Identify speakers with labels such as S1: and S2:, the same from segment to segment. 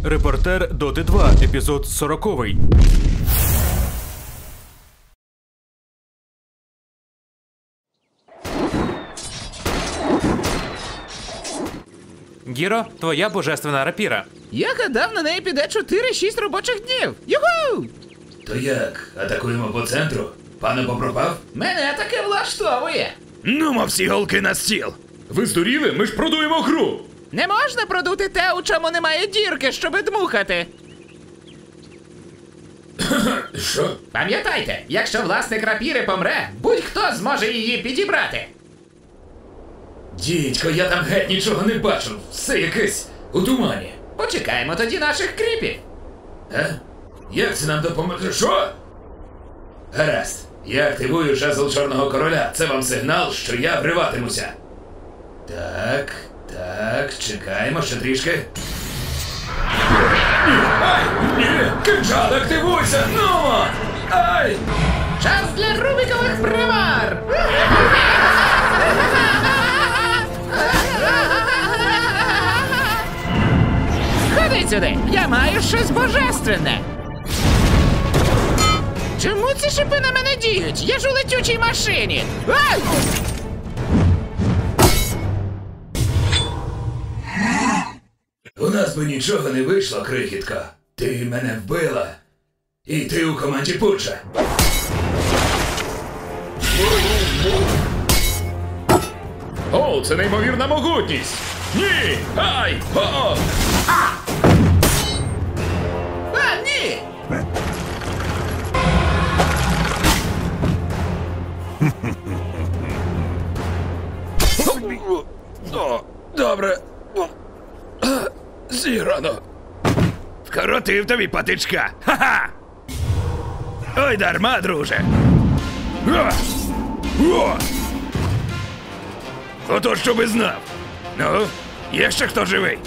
S1: Репортер Доти 2, епізод 40. Гіро, твоя божественна рапіра.
S2: Я гадав, на неї піде 4-6 робочих днів. Юху!
S3: То як, атакуємо по центру? Пане попропав?
S2: Мене таке влаштовує.
S3: Нумо всі голки на стіл! Ви здуріли? Ми ж продуємо гру!
S2: Не можна продути те, у чому немає дірки, щоби дмухати.
S3: Що?
S2: Пам'ятайте, якщо власник рапіри помре, будь-хто зможе її підібрати.
S3: Дідько, я там геть нічого не бачу. Все якесь у тумані.
S2: Почекаємо тоді наших кріпів.
S3: Як це нам допоможе? Що? Гаразд. Я активую жезл Чорного Короля. Це вам сигнал, що я вриватимуся. Так, чекаємо ще трішки. Ай! Ні! Кинджал, активуйся! Нумо! Ай!
S2: Час для рубікових примар! Ходи сюди! Я маю щось божественне! Чому ці шипи на мене діють? Я ж у летючій машині! Ай!
S3: У нас би нічого не вийшло, крихітко. Ти мене вбила. І ти у команді Пуджа. О, це неймовірна могутність! Ні! Ай! О!
S2: А, ні!
S3: О, добре. Зіграно. Вкоротив тобі патичка. Ха-ха! Ой, дарма, друже. Ото що би знав. Ну, є ще хто живий?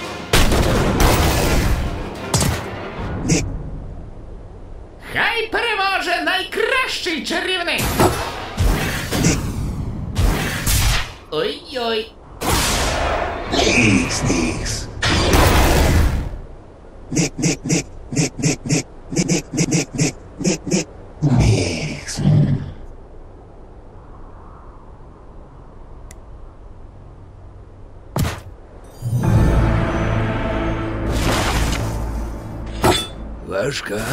S2: Хай переможе найкращий чарівник! Ой-ой!
S3: Важка гра.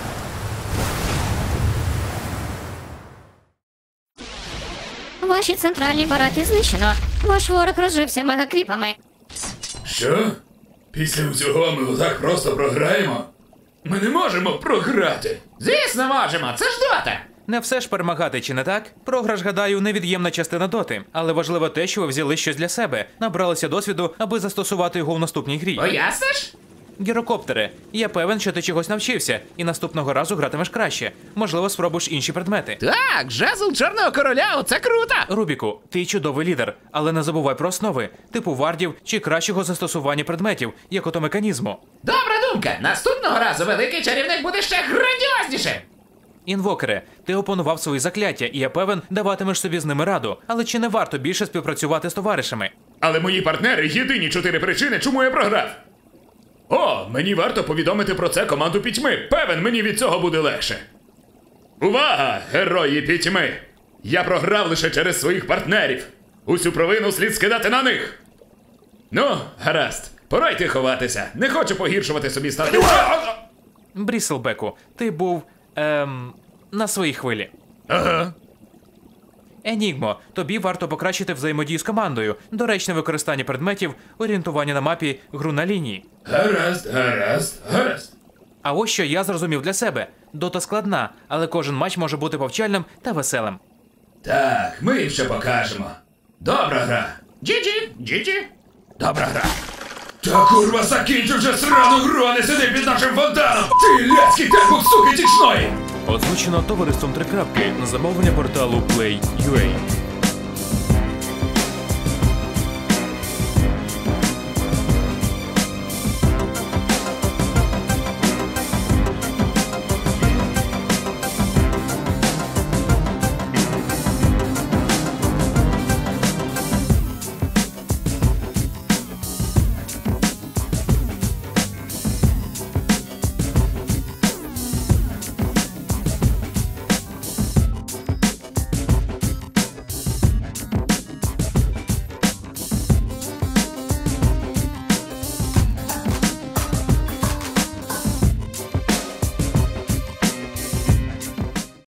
S4: Ваші центральні бараки знищено. Ваш ворог розжився мегакріпами.
S3: Що? Після всього ми отак просто програємо? Ми не можемо програти.
S2: Звісно, можемо! Це ж дота!
S1: Не все ж перемагати, чи не так? Програш, гадаю, невід'ємна частина доти. Але важливо те, що ви взяли щось для себе, набралися досвіду, аби застосувати його в наступній грі.
S2: Поясниш?
S1: Гірокоптере, я певен, що ти чогось навчився, і наступного разу гратимеш краще. Можливо, спробуєш інші предмети.
S2: Так, жезл Чорного Короля, оце круто!
S1: Рубіку, ти чудовий лідер, але не забувай про основи, типу вардів чи кращого застосування предметів, як ото механізму.
S2: Добра думка! Наступного разу великий чарівник буде ще грандіознішим!
S1: Інвокере, ти опанував свої закляття, і я певен, даватимеш собі з ними раду. Але чи не варто більше співпрацювати з товаришами?
S3: Але мої партнери – єдині 4 причини, чому я програв. О, мені варто повідомити про це команду Пітьми. Певен, мені від цього буде легше. Увага, герої Пітьми! Я програв лише через своїх партнерів. Усю провину слід скидати на них. Ну, гаразд. Пора йти ховатися. Не хочу погіршувати собі стати.
S1: Бріселбеку, ти був, на своїй хвилі.
S3: Ага.
S1: Енігмо, тобі варто покращити взаємодію з командою, доречне використання предметів, орієнтування на мапі, гру на лінії.
S3: Гаразд.
S1: А ось що я зрозумів для себе. Дота складна, але кожен матч може бути повчальним та веселим.
S3: Так, ми їм ще покажемо. Добра гра.
S2: Джі-джі!
S3: Добра гра. Та курва, закінчу вже срану гру, а не сиди під нашим фонтаном! Ти ляцький тербук, суки тічної!
S1: Озвучено товариством 3 крапки на замовлення порталу Play.ua.